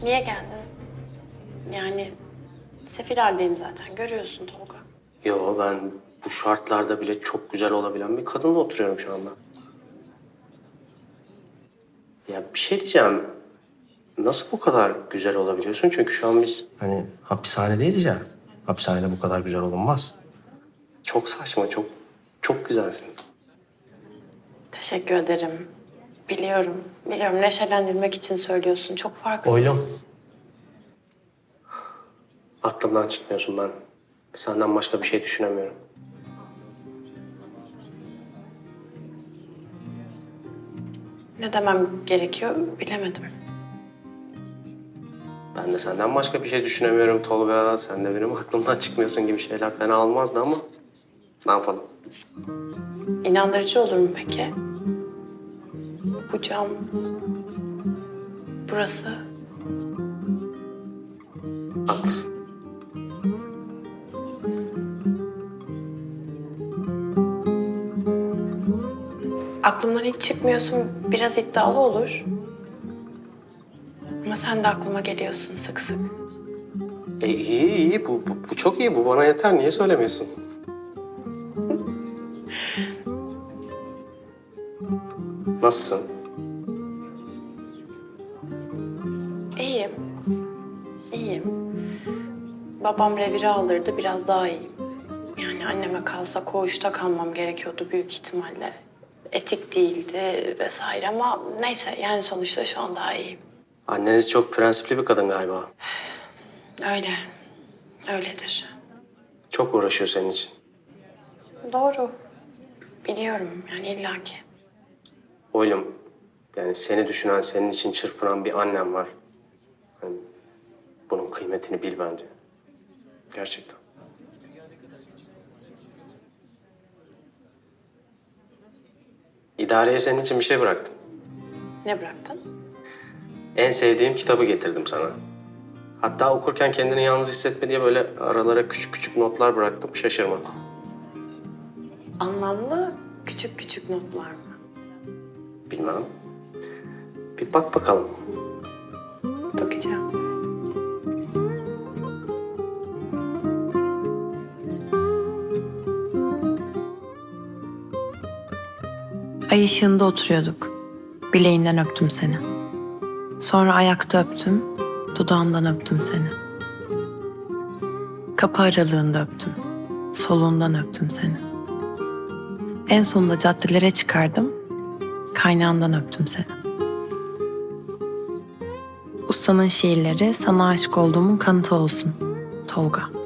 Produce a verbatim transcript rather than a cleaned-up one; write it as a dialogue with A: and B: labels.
A: Niye geldin? Yani sefil haldeyim zaten. Görüyorsun Tolga.
B: Yo, ben bu şartlarda bile çok güzel olabilen bir kadınla oturuyorum şu anda. Ya bir şey diyeceğim. Nasıl bu kadar güzel olabiliyorsun? Çünkü şu an biz hani hapishanedeyiz ya. Hapishanede bu kadar güzel olunmaz. Çok saçma, çok çok güzelsin.
A: Teşekkür ederim. Biliyorum. Biliyorum. Neşelendirmek için söylüyorsun. Çok farklı.
B: Oylum. Aklımdan çıkmıyorsun ben. Senden başka bir şey düşünemiyorum.
A: Ne demem gerekiyor bilemedim.
B: Ben de senden başka bir şey düşünemiyorum Tolga. Sen de benim aklımdan çıkmıyorsun gibi şeyler fena olmazdı ama ne yapalım?
A: İnandırıcı olur mu peki? Bu cam... Burası...
B: Haklısın.
A: Aklımdan hiç çıkmıyorsun. Biraz iddialı olur. Ama sen de aklıma geliyorsun sık sık.
B: E, iyi iyi bu, bu, bu çok iyi, bu bana yeter. Niye söylemiyorsun? Nasılsın?
A: İyiyim. İyiyim. Babam revire alırdı, biraz daha iyiyim. Yani anneme kalsa koğuşta kalmam gerekiyordu büyük ihtimalle. Etik değildi vesaire ama neyse yani sonuçta şu an daha iyiyim.
B: Anneniz çok prensipli bir kadın galiba.
A: Öyle. Öyledir.
B: Çok uğraşıyor senin için.
A: Doğru. Biliyorum yani illaki.
B: Oğlum, yani seni düşünen, senin için çırpınan bir annem var. Yani bunun kıymetini bil bence. Gerçekten. İdareye senin için bir şey bıraktım.
A: Ne bıraktın?
B: En sevdiğim kitabı getirdim sana. Hatta okurken kendini yalnız hissetme diye böyle aralara küçük küçük notlar bıraktım. Şaşırma.
A: Anlamlı küçük küçük notlar mı?
B: Bilmem. Bir bak bakalım.
A: Bakacağım. Ay ışığında oturuyorduk. Bileğinden öptüm seni. Sonra ayakta öptüm, dudağından öptüm seni. Kapı aralığında öptüm, soluğundan öptüm seni. En sonunda caddelere çıkardım, kaynağından öptüm seni. Ustanın şiirleri sana aşık olduğumun kanıtı olsun, Tolga.